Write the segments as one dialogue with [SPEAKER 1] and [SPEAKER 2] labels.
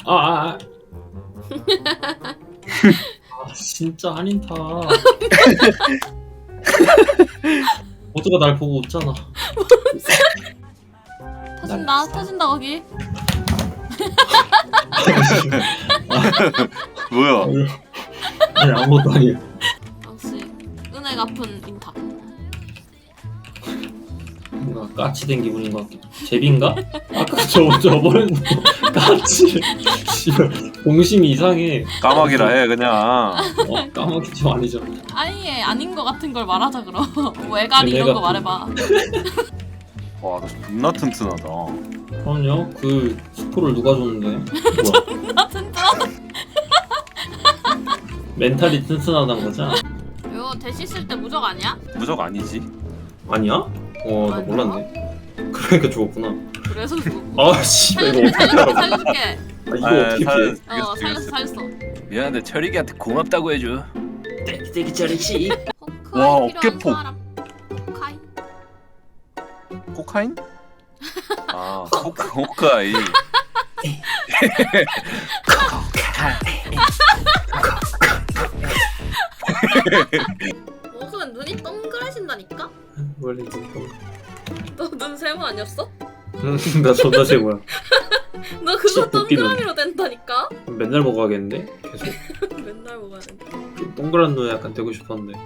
[SPEAKER 1] 아 진짜 한인타. 모두가 날 보고 웃잖아.
[SPEAKER 2] 터진다 터진다 거기.
[SPEAKER 3] 뭐야?
[SPEAKER 1] 아니 아무것도 아니에요.
[SPEAKER 2] 역시 은혜 갚은 인타.
[SPEAKER 1] 뭔가 까치 된 기분인 것 같기도. 제비인가? 아까 저번에 까치. 씨발 공심이 이상해.
[SPEAKER 3] 까마귀라 해 그냥.
[SPEAKER 1] 까마귀 좀 아니죠.
[SPEAKER 2] 아예 아닌 거 같은 걸 말하자 그럼. 외가리 이런
[SPEAKER 1] 내가
[SPEAKER 2] 거 말해봐.
[SPEAKER 3] 와, 너 존나 튼튼하다.
[SPEAKER 1] 그럼요. 그 스포를 누가 줬는데? 뭐야?
[SPEAKER 2] 나 튼튼하다.
[SPEAKER 1] 멘탈이 튼튼하단 거죠?
[SPEAKER 2] 이거 대시 쓸 때 무적 아니야?
[SPEAKER 3] 무적 아니지?
[SPEAKER 1] 아니야? 나
[SPEAKER 2] 아니야?
[SPEAKER 1] 몰랐네. 그러니까 죽었구나.
[SPEAKER 2] 그래서
[SPEAKER 1] 아 씨발 이거 어떻게 알아?
[SPEAKER 2] 살려줄게.
[SPEAKER 1] 아, 이거 어떻게 피해?
[SPEAKER 2] 살렸어.
[SPEAKER 3] 미안한데 철이기한테 고맙다고 해줘.
[SPEAKER 1] 되게 잘했지.
[SPEAKER 3] 와,
[SPEAKER 2] 호크아이 필요한
[SPEAKER 3] 어깨폭.
[SPEAKER 2] 사람. 호크아이.
[SPEAKER 3] 코카인? 아, 호크아이.
[SPEAKER 2] 호크는 눈이 동그래진다니까?
[SPEAKER 1] 원래 이거.
[SPEAKER 2] 너 눈 세모 아니었어?
[SPEAKER 1] 나 존나 세고야.
[SPEAKER 2] 너 그거
[SPEAKER 1] 진짜 웃기네.
[SPEAKER 2] 동그라미로 된다니까?
[SPEAKER 1] 맨날 먹어야겠는데? 계속.
[SPEAKER 2] 맨날 먹어야 돼.
[SPEAKER 1] 동그란 눈 약간 되고 싶었는데.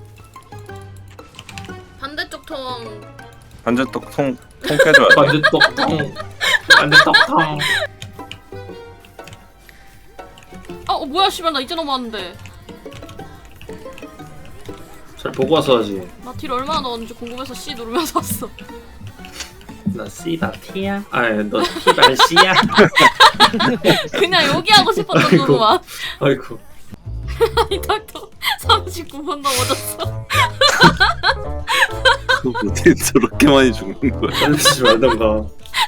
[SPEAKER 2] 반대쪽 통.
[SPEAKER 3] 반대쪽 통 깨줘야 돼.
[SPEAKER 1] 반대 떡탕. 반대 떡탕.
[SPEAKER 2] 뭐야 씨발 나 이제 넘어왔는데.
[SPEAKER 1] 잘 보고 와서 하지.
[SPEAKER 2] 나 딜 얼마나 넣었는지 궁금해서 C 누르면서 왔어.
[SPEAKER 1] 나 C다 T야? 너 T발 C야?
[SPEAKER 2] 그냥 여기 하고 싶었던
[SPEAKER 1] 아이고.
[SPEAKER 2] 거구만.
[SPEAKER 1] 아이고.
[SPEAKER 2] 이 닥터 39번 넘어졌어.
[SPEAKER 3] 어떻게 저렇게 많이 죽는 거야?
[SPEAKER 1] 살리지 말던가.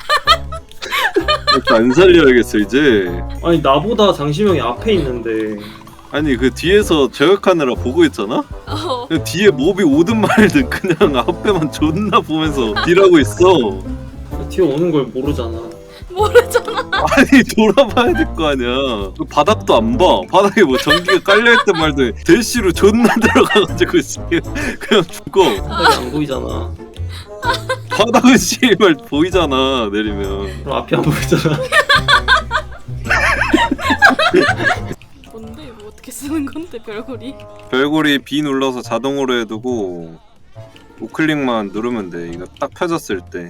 [SPEAKER 3] 안 살려야겠어 이제.
[SPEAKER 1] 아니 나보다 장시명이 앞에 있는데.
[SPEAKER 3] 아니 그 뒤에서 저격하느라 보고 있잖아? 그냥 뒤에 몹이 오든 말든 그냥 앞에만 존나 보면서 딜하고 있어.
[SPEAKER 1] 뒤에 오는 걸 모르잖아.
[SPEAKER 2] 모르잖아.
[SPEAKER 3] 아니 돌아봐야 될 거 아니야. 그 바닥도 안 봐. 바닥에 뭐 전기가 깔려있든 말든 대시로 존나 들어가가지고 그냥 죽어.
[SPEAKER 1] 바닥이 안 보이잖아.
[SPEAKER 3] 바닥은 씨발 보이잖아 내리면.
[SPEAKER 1] 그럼 앞이 안 보이잖아.
[SPEAKER 2] 뭔데 이거 어떻게 쓰는 건데 별거리?
[SPEAKER 3] 별고리 B 눌러서 자동으로 해두고 우클릭만 누르면 돼. 이거 딱 펴졌을 때.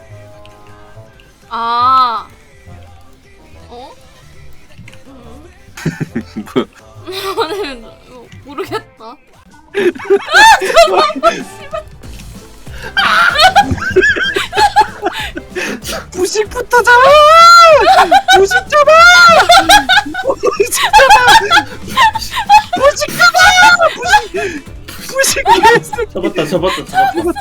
[SPEAKER 2] 아. 어?
[SPEAKER 3] 뭐야?
[SPEAKER 2] 아니 모르겠다.
[SPEAKER 3] 부식부터 잡아! 부식 잡아! 부식 잡아! 부식 잡아! 부식
[SPEAKER 1] 잡았다.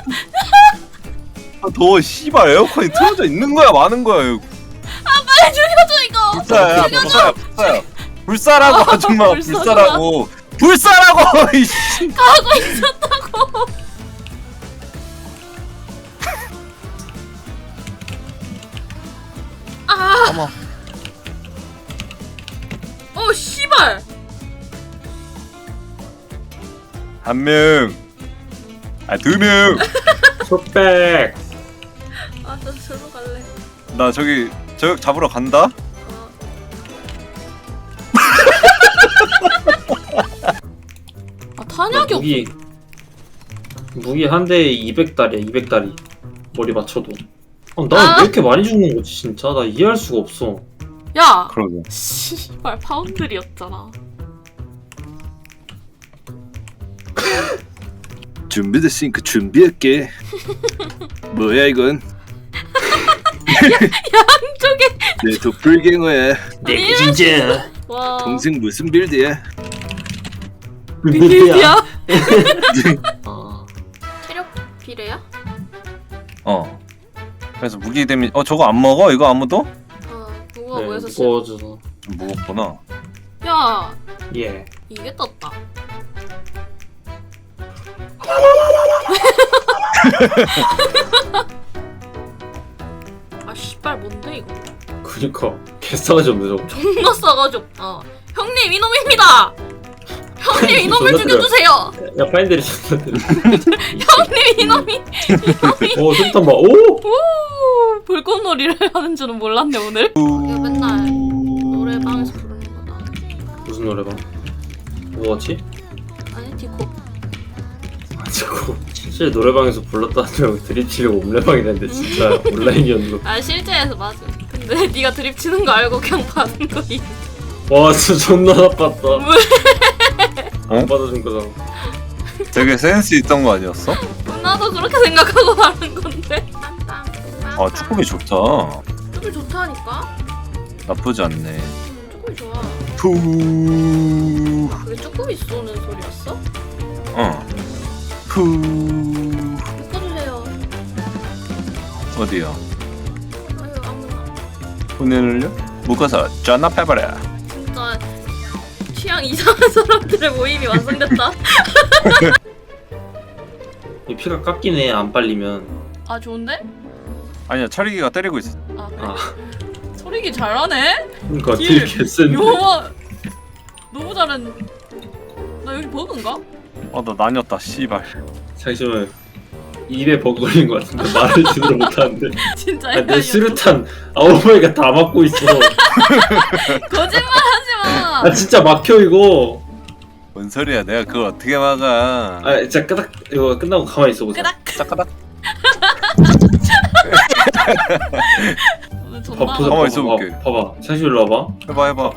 [SPEAKER 3] 아 더워 씨발 에어컨이 틀어져 있는 거야 마는 거야 이거.
[SPEAKER 2] 빨리 죽여줘 이거.
[SPEAKER 3] 불사야 불사라고 아줌마
[SPEAKER 2] 불사구나.
[SPEAKER 3] 불사라고 이씨.
[SPEAKER 2] 가고 있었다고. 아.
[SPEAKER 3] 어머.
[SPEAKER 2] 씨발.
[SPEAKER 3] 한 명. 아 두 명.
[SPEAKER 1] 촉백.
[SPEAKER 2] 나 저로 갈래.
[SPEAKER 3] 나 저기 저격 잡으러 간다.
[SPEAKER 2] 탄약이 없어.
[SPEAKER 1] 무기 한 대에 200달이야. 200달이. 머리 맞춰도. 나 왜 이렇게 많이 죽는 거지 진짜? 나 이해할 수가 없어.
[SPEAKER 2] 야.
[SPEAKER 3] 그러게.
[SPEAKER 2] 씨발 파운드리였잖아.
[SPEAKER 3] 준비됐으니까 준비할게. 뭐야 이건?
[SPEAKER 2] 양쪽에.
[SPEAKER 3] 내 도플갱어야.
[SPEAKER 1] 내 진짜.
[SPEAKER 2] 와.
[SPEAKER 3] 동생 무슨 빌드야?
[SPEAKER 2] 비밀이야.
[SPEAKER 1] 아,
[SPEAKER 2] 체력 비례야?
[SPEAKER 3] 어. 그래서 무기 데미. 저거 안 먹어? 이거 아무도?
[SPEAKER 2] 누가
[SPEAKER 1] 네,
[SPEAKER 2] 뭐해서 싫어?
[SPEAKER 1] 무거워져서.
[SPEAKER 3] 좀 무겁구나.
[SPEAKER 2] 야
[SPEAKER 1] 예.
[SPEAKER 2] 이게 떴다. 아 씨발 뭔데 이거?
[SPEAKER 1] 그니까 개싸가지 없네 저거.
[SPEAKER 2] 존나 싸가지 없다. 형님 이놈입니다. 형님 이놈을
[SPEAKER 1] 존나
[SPEAKER 2] 죽여주세요.
[SPEAKER 1] 야 파인들이 존나 때려.
[SPEAKER 2] 형님 이놈이
[SPEAKER 1] 오 술탄 봐. 오.
[SPEAKER 2] 오 불꽃놀이를 하는 줄은 몰랐네 오늘. 이거 맨날 노래방에서 부르는 거다.
[SPEAKER 1] 무슨 노래 봐? 뭐였지?
[SPEAKER 2] 아니 디코.
[SPEAKER 1] 아 자꾸 실제 노래방에서 불렀다는 줄 드립 치려고 옴레방이랬는데 진짜 온라인이었는
[SPEAKER 2] 아 실제에서 맞아. 근데 네가 드립 치는 거 알고 그냥 받은 거니.
[SPEAKER 1] 거. 와 진짜 존나 나빴다.
[SPEAKER 3] 어?
[SPEAKER 1] 안 받아준 거잖아.
[SPEAKER 3] 되게 센스 있던 거 아니었어?
[SPEAKER 2] 나도 그렇게 생각하고 하는 건데.
[SPEAKER 3] 아 쭈꾸미 좋다.
[SPEAKER 2] 쭈꾸미 좋다니까.
[SPEAKER 3] 나쁘지 않네.
[SPEAKER 2] 쭈꾸미 좋아.
[SPEAKER 3] 푸.
[SPEAKER 2] 그게 쭈꾸미 쏘는 소리였어?
[SPEAKER 3] 어. 푸.
[SPEAKER 2] 바꿔주세요.
[SPEAKER 3] 어디요?
[SPEAKER 2] 아유 아무나.
[SPEAKER 3] 손해를요? 묶어서 전납해버려.
[SPEAKER 2] 진짜 취향 이상한 사람들의 모임이 완성됐다.
[SPEAKER 1] 이 피가 깎이네 안 빨리면.
[SPEAKER 2] 아 좋은데?
[SPEAKER 3] 아니야 철이기가 때리고 있어.
[SPEAKER 2] 아 그래?
[SPEAKER 1] 아
[SPEAKER 2] 소리기 잘하네?
[SPEAKER 1] 그러니까
[SPEAKER 2] 딜.
[SPEAKER 1] 딜 개센데.
[SPEAKER 2] 요마 너무 잘했. 나 여기 버그인가?
[SPEAKER 3] 나 나뉘었다 씨발.
[SPEAKER 1] 잠시만 입에 버그 걸린 것 같은데 말을 제대로 못하는데.
[SPEAKER 2] 진짜
[SPEAKER 1] 아, 내
[SPEAKER 2] 헷갈려.
[SPEAKER 1] 수류탄 아오마이가 다 막고 있어.
[SPEAKER 2] 거짓말하지 마.
[SPEAKER 1] 아 진짜 막혀 이거.
[SPEAKER 3] 뭔 소리야? 내가 그걸 어떻게 막아?
[SPEAKER 1] 아 진짜 끄닥 이거 끝나고 가만히 있어 보자.
[SPEAKER 2] 끄닥.
[SPEAKER 3] 짜까닥.
[SPEAKER 2] 오늘
[SPEAKER 1] 봐,
[SPEAKER 2] 존나
[SPEAKER 1] 보자,
[SPEAKER 3] 가만히
[SPEAKER 1] 봐봐,
[SPEAKER 3] 있어볼게.
[SPEAKER 1] 봐봐. 잠시 일로 와봐.
[SPEAKER 3] 해봐.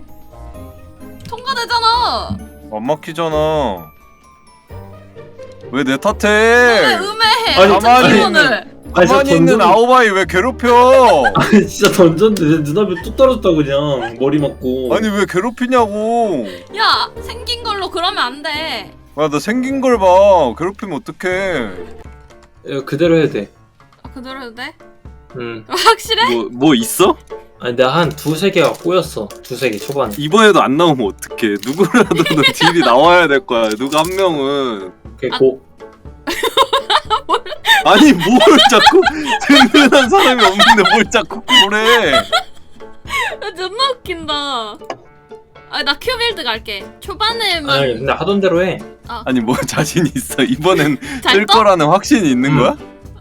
[SPEAKER 2] 통과되잖아.
[SPEAKER 3] 안 막히잖아. 왜 내
[SPEAKER 2] 왜
[SPEAKER 3] 탓해?
[SPEAKER 2] 음해해?
[SPEAKER 1] 아니,
[SPEAKER 3] 가만히
[SPEAKER 2] 오늘.
[SPEAKER 1] 아니,
[SPEAKER 3] 가만히
[SPEAKER 1] 진짜
[SPEAKER 3] 있는
[SPEAKER 1] 던전-
[SPEAKER 3] 아오바이 왜 괴롭혀?
[SPEAKER 1] 아니 진짜 던졌는데 내 눈앞에 뚝 떨어졌다 그냥 머리 맞고.
[SPEAKER 3] 아니 왜 괴롭히냐고.
[SPEAKER 2] 야 생긴 걸로 그러면 안 돼.
[SPEAKER 3] 야 나 생긴 걸 봐. 괴롭히면 어떡해.
[SPEAKER 1] 이거 그대로 해야 돼.
[SPEAKER 2] 아, 그대로 해도 돼?
[SPEAKER 1] 응.
[SPEAKER 2] 확실해?
[SPEAKER 3] 뭐 있어?
[SPEAKER 1] 아니 내가 한 두세 개가 꼬였어. 두세 개 초반에.
[SPEAKER 3] 이번에도 안 나오면 어떡해. 누구라도 딜이 나와야 될 거야. 누가 한 명은.
[SPEAKER 1] 그게 고.
[SPEAKER 3] 아니 뭘 자꾸 든든한 사람이 없는데 뭘 자꾸 그래.
[SPEAKER 2] 야, 존나 웃긴다. 아, 나 큐빌드 갈게. 초반에만
[SPEAKER 1] 아니 근데 하던 대로 해.
[SPEAKER 3] 아니 뭐 자신 있어. 이번엔
[SPEAKER 2] 잘
[SPEAKER 3] 뜰
[SPEAKER 2] 떠?
[SPEAKER 3] 거라는 확신이 있는 거야?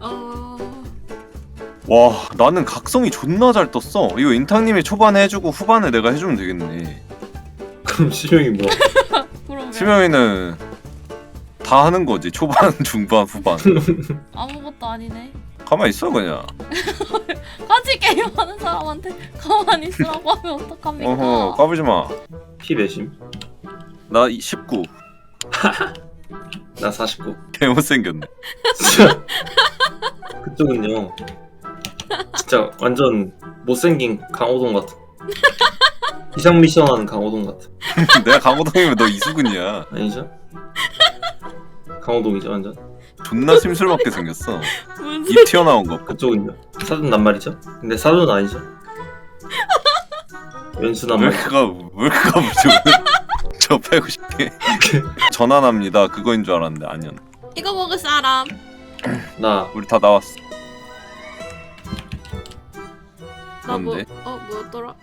[SPEAKER 3] 와 나는 각성이 존나 잘 떴어. 이거 인탕님이 초반에 해주고 후반에 내가 해주면 되겠네.
[SPEAKER 1] 그럼 실명이 뭐야?
[SPEAKER 2] 그러면
[SPEAKER 3] 수명이는 다 하는 거지. 초반, 중반, 후반.
[SPEAKER 2] 아무것도 아니네.
[SPEAKER 3] 가만 있어 그냥.
[SPEAKER 2] 같이 게임하는 사람한테 가만히 있으라고 하면 어떡합니까?
[SPEAKER 3] 어허 까불지 마.
[SPEAKER 1] 피 몇임?
[SPEAKER 3] 나 19.
[SPEAKER 1] 나 49.
[SPEAKER 3] 개못생겼네.
[SPEAKER 1] 진짜 그쪽은요. 진짜 완전 못생긴 강호동 같아. 이상 미션하는 강호동 같아.
[SPEAKER 3] 내가 강호동이면 너 이수근이야.
[SPEAKER 1] 아니죠? 강호동이죠 완전.
[SPEAKER 3] 존나 심술맞게 생겼어.
[SPEAKER 2] 무슨
[SPEAKER 3] 입 튀어나온 거.
[SPEAKER 1] 그쪽은요? 사돈 낱말이죠? 근데 사돈은 아니죠? 왼수 낱말.
[SPEAKER 3] 왜 그가 뭐지 오늘? 저 빼고 싶게. 전환합니다. 그거인 줄 알았는데 아니었네.
[SPEAKER 2] 이거 먹을 사람.
[SPEAKER 1] 나
[SPEAKER 3] 우리 다 나왔어.
[SPEAKER 2] 나 뭐?
[SPEAKER 3] 뭔데?
[SPEAKER 2] 뭐였더라?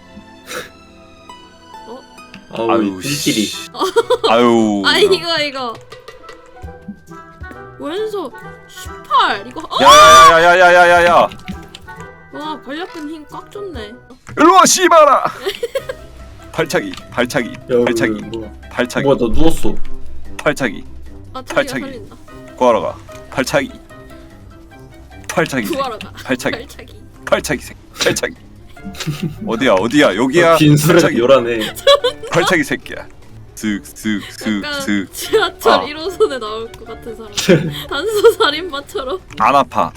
[SPEAKER 1] 아우
[SPEAKER 3] 아유
[SPEAKER 1] 삘끼리.
[SPEAKER 3] 씨. 아유.
[SPEAKER 2] 아 이거. 왼손 18 이거.
[SPEAKER 3] 야야야야야야야야.
[SPEAKER 2] 와 권력근 힘 꽉 줬네.
[SPEAKER 3] 일로와 씨발아. 발차기.
[SPEAKER 1] 야,
[SPEAKER 3] 발차기.
[SPEAKER 1] 뭐야?
[SPEAKER 3] 발차기.
[SPEAKER 1] 뭐야 너 누웠어?
[SPEAKER 3] 발차기.
[SPEAKER 2] 아 자기가
[SPEAKER 3] 발차기.
[SPEAKER 2] 살린다.
[SPEAKER 3] 구하러 가. 발차기.
[SPEAKER 2] 구하러 가.
[SPEAKER 3] 발차기.
[SPEAKER 2] 발차기.
[SPEAKER 3] 발차기 새. 발차기. 어디야 여기야.
[SPEAKER 1] 빈술에
[SPEAKER 3] 발차기.
[SPEAKER 1] 요란해.
[SPEAKER 3] 발차기 새끼야.
[SPEAKER 2] 약간
[SPEAKER 3] 슥슥슥슥.
[SPEAKER 2] 지하철
[SPEAKER 3] 아.
[SPEAKER 2] 1호선에 나올 것 같은 사람. 단수 살인마처럼.
[SPEAKER 3] 안 아파.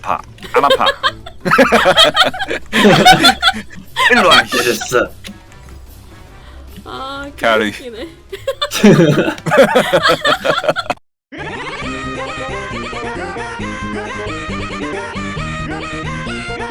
[SPEAKER 3] 일로 와.
[SPEAKER 1] 됐어.
[SPEAKER 2] 아
[SPEAKER 3] 가리.
[SPEAKER 2] 개웃기네.